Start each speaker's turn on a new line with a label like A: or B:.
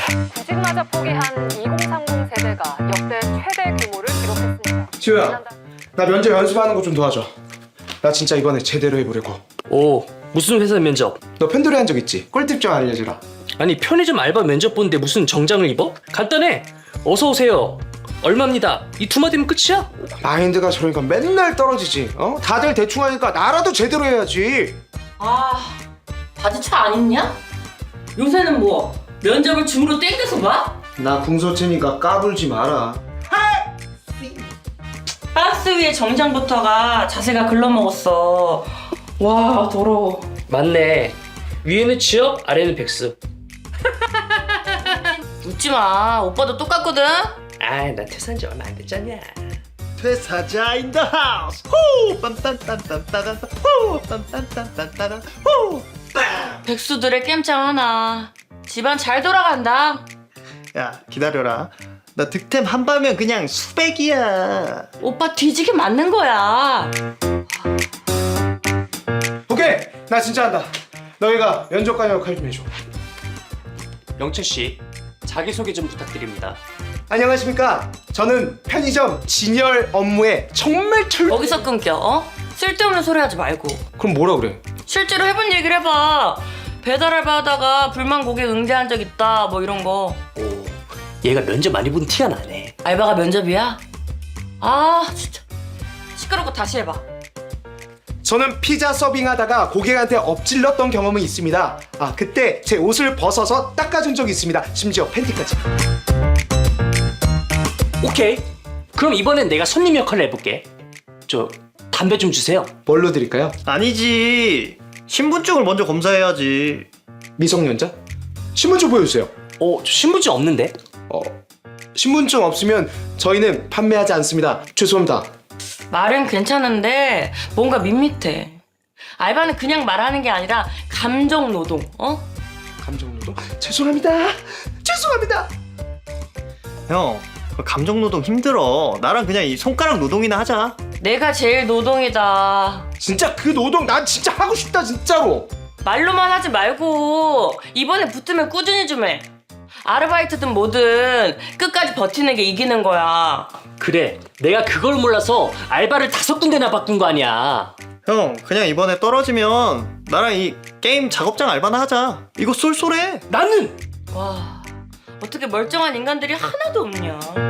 A: 구직마저 포기한 2030 세대가 역대 최대 규모를 기록했습니다.
B: 지우야, 나 면접 연습하는 거 좀 도와줘. 나 진짜 이번에 제대로 해보려고.
C: 오, 무슨 회사 면접?
B: 너 편돌이 한 적 있지? 꿀팁 좀 알려주라.
C: 아니 편의점 알바 면접 보는데 무슨 정장을 입어? 간단해. 어서 오세요. 얼마입니다. 이 두 마디면 끝이야?
B: 마인드가 저러니까 맨날 떨어지지. 어? 다들 대충 하니까 나라도 제대로 해야지.
D: 아, 바지차 안 입냐? 요새는 뭐 면접을 줌으로 땡겨서 봐?
B: 나 궁서체니까 까불지 마라.
D: 박스 위에 정장부터가 자세가 글러먹었어. 와, 더러워.
C: 맞네. 위에는 취업, 아래는 백수.
D: 웃지 마. 오빠도 똑같거든.
C: 아, 나 퇴사한 지 얼마 안 됐잖냐.
E: 퇴사자 인 더 하우스. 후! 빰빰빰빰빰빰. 후! 빰빰빰빰빰. 후!
D: 백수들의 깸짱 하나. 집안 잘 돌아간다.
E: 야, 기다려라. 나 득템 한 바면 그냥 수백이야.
D: 오빠 뒤지게 맞는 거야.
B: 오케이, 나 진짜 한다. 너희가 면접관 역할 좀 해줘.
C: 영철 씨, 자기소개 좀 부탁드립니다.
B: 안녕하십니까? 저는 편의점 진열 업무에 정말
D: 거기서 끊겨, 어? 쓸데없는 소리 하지 말고.
B: 그럼 뭐라 그래?
D: 실제로 해본 얘기를 해봐. 배달 알바 하다가 불만 고객 응대한 적 있다, 뭐 이런 거.
C: 오, 얘가 면접 많이 본 티가 나네.
D: 알바가 면접이야? 아, 진짜. 시끄럽고 다시 해봐.
B: 저는 피자 서빙하다가 고객한테 엎질렀던 경험이 있습니다. 아, 그때 제 옷을 벗어서 닦아준 적이 있습니다. 심지어 팬티까지.
C: 오케이. 그럼 이번엔 내가 손님 역할을 해볼게. 저 담배 좀 주세요.
B: 뭘로 드릴까요?
E: 아니지. 신분증을 먼저 검사해야지.
B: 미성년자? 신분증 보여주세요.
C: 저 신분증 없는데?
B: 신분증 없으면 저희는 판매하지 않습니다. 죄송합니다.
D: 말은 괜찮은데 뭔가 밋밋해. 알바는 그냥 말하는 게 아니라 감정 노동, 어?
B: 감정노동? 죄송합니다. 죄송합니다.
E: 형, 그 감정 노동 힘들어. 나랑 그냥 이 손가락 노동이나 하자.
D: 내가 제일 노동이다.
B: 진짜 그 노동 난 진짜 하고 싶다 진짜로.
D: 말로만 하지 말고 이번에 붙으면 꾸준히 좀 해. 아르바이트든 뭐든 끝까지 버티는 게 이기는 거야.
C: 그래, 내가 그걸 몰라서 알바를 5군데나 바꾼 거 아니야.
E: 형, 그냥 이번에 떨어지면 나랑 이 게임 작업장 알바나 하자. 이거 쏠쏠해.
C: 나는
D: 와, 어떻게 멀쩡한 인간들이 하나도 없냐.